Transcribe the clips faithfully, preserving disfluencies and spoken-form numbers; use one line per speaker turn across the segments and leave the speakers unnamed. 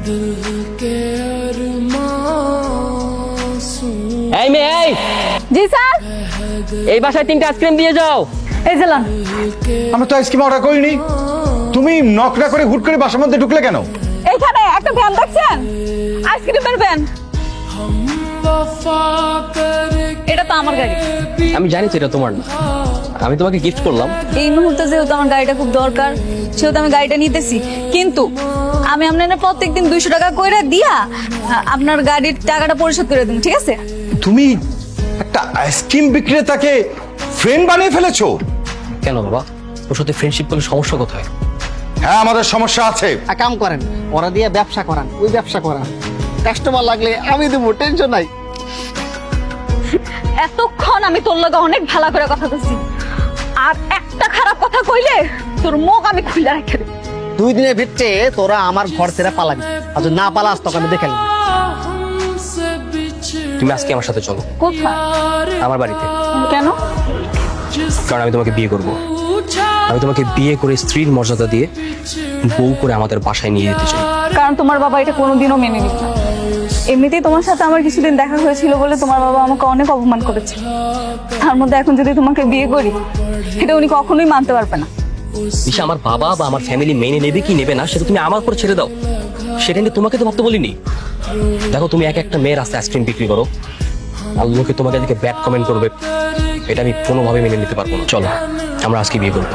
এই মেয়ে, এই
জি স্যার।
এই বাসায় তিনটা আইসক্রিম দিয়ে যাও।
এই জেলান।
আমরা তো আইসক্রিম অর্ডার করিনি। তুমি নক না করে হুট করে বাসার মধ্যে ঢুকলে কেন?
এইখানে একটা ভ্যান দেখছেন, আইসক্রিমের ভ্যান। এটা তো আমার গাড়ি।
আমি জানি তো এটা তোমার না, আমি তোমাকে গিফট করলাম।
এই মুহূর্তে যেহেতু আমার গাড়িটা খুব দরকার, সেহেতু আমি গাড়িটা নিতেছি। কিন্তু আমি আপনার প্রত্যেকদিন দুইশো টাকা করে দিয়া আপনার গাড়ির টাকাটা পরিশোধ করে দিন, ঠিক আছে?
তুমি একটা আইসক্রিম বিক্রেতাকে ফ্রেন্ড বানিয়ে ফেলেছো?
কেন বাবা, ওর সাথে ফ্রেন্ডশিপ করলে সমস্যা কোথায়?
হ্যাঁ, আমাদের সমস্যা আছে।
এক কাম করেন, ওরা দিয়ে ব্যবসা করান, ওই ব্যবসা করান। কাস্টমার লাগলে আমি দেবো, টেনশন নাই।
এতক্ষণ আমি তোর লগে অনেক ভালো করে কথা বলছি, আর একটা খারাপ কথা কইলে তোর মুখ আমি খুলে রেখে দেব।
দুই দিনের ভিতরে তোরা আমার ঘর ছেড়ে পালাবি, আর যদি না পালাস তোকে আমি দেখে নিবো।
তুমি আজকে আমার সাথে চলো
কোথায়?
আমার বাড়িতে।
কেন?
কারণ আমি তোমাকে বিয়ে করব। আমি তোমাকে বিয়ে করে স্ত্রীর মর্যাদা দিয়ে বউ করে আমাদের বাসায় নিয়ে যেতে চাই।
কারণ তোমার বাবা এটা কোনোদিনও মেনে নিত না। এমনিতেই তোমার সাথে আমার কিছুদিন দেখা হয়েছিল বলে তোমার বাবা আমাকে অনেক অপমান করেছে। তার মধ্যে এখন যদি তোমাকে বিয়ে করি, এটা উনি কখনোই মানতে পারবে না।
দিশা, আমার বাবা বা আমার ফ্যামিলি মেনে নেবে কি নেবে না সেটা তুমি আমার উপর ছেড়ে দাও। সেটা নিয়ে তোমাকে তো ভাবতে বলিনি। দেখো, তুমি এক একটা মেয়ের রাস্তায় আইসক্রিম বিক্রি করো, আর লোকে তোমাকে দেখে ব্যাড কমেন্ট করবে, এটা আমি কোনোভাবে মেনে নিতে পারবো না। চলো আমরা আজকে বিয়ে করবো।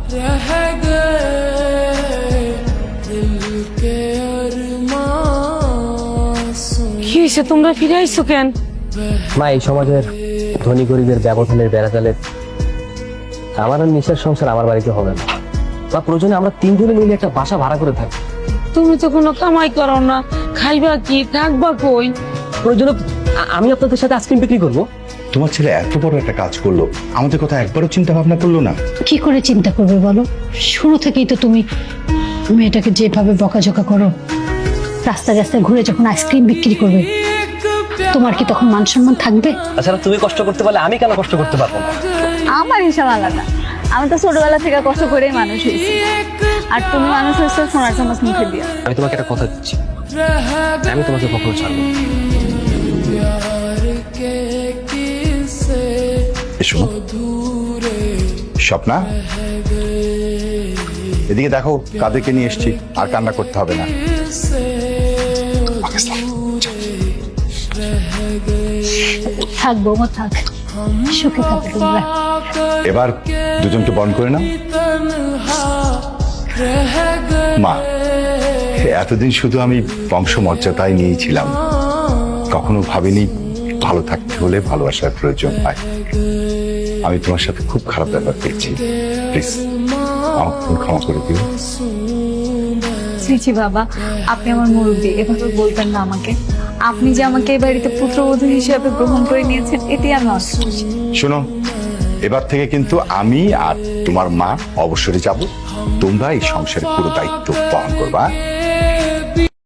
কি হয়েছে, তোমরা ফিরে আইছো কেন?
মা, এই সমাজের ধনী গরিবের ব্যবধানের বেড়াতালে আমার আর নিশার সংসার আমার বাড়িতে হবে না। বা প্রয়োজনে আমরা তিনজনে মিলে একটা বাসা ভাড়া করে থাকি।
তুমি তো কোনো কামাই করো না, খাইবা কি, থাকবা কই?
প্রয়োজনে আ- আমি আপনাদের সাথে আইসক্রিম বিক্রি করবো।
তোমার ছেলে এত বড় একটা কাজ করলো, আমাদের কথা একবারও চিন্তা ভাবনা করলো না।
কি করে চিন্তা করবে বলো? শুরু থেকেই তো তুমি মেয়েটাকে যেভাবে বকাঝকা করো, রাস্তায় রাস্তায় ঘুরে যখন আইসক্রিম বিক্রি করবে, তোমার কি তখন মান সম্মান থাকবে?
তাছাড়া তুমি কষ্ট করতে পারলে আমি কেন কষ্ট করতে পারবো না?
আমার হিসাব আলাদা। আমি তো ছোটবেলা থেকে কষ্ট করেই মানুষ হয়েছি, আর তুমি মানুষ হয়েছে সোনার চামচ মুখে দিয়ে।
আমি তোমাকে একটা কথা দিচ্ছি, আমি তোমাকে কখনো ছাড়বো না।
এসো স্বপ্না, এদিকে দেখো কাদেরকে নিয়ে এসেছি, আর কান্না করতে হবে না।
থাকবো মা, থাক, সুখে থাকবে তোমরা।
এবার দুজনকে বন্ধ করে নাও। মা, এতদিন শুধু আমি বংশমর্যাদায় নিয়েই ছিলাম, কখনো ভাবিনি ভালো থাকতে হলে ভালোবাসার প্রয়োজন হয়। আমি তোমার সাথে খুব খারাপ ব্যাপার পেয়েছি, প্লিজ আমাকে তুমি ক্ষমা করে দিও।
শ্রীচি বাবা, আপনি আমার মুরব্বী, এভাবে বলবেন না আমাকে। আপনি যে আমাকে এই বাড়িতে পুত্রবধূ হিসেবে গ্রহণ করে নিয়েছেন, এতে আমি অনেক খুশি।
শোনো, এবার থেকে কিন্তু আমি আর তোমার মা অবসরে যাব, তোমরা এই সংসারের পুরো দায়িত্ব পালন করবা।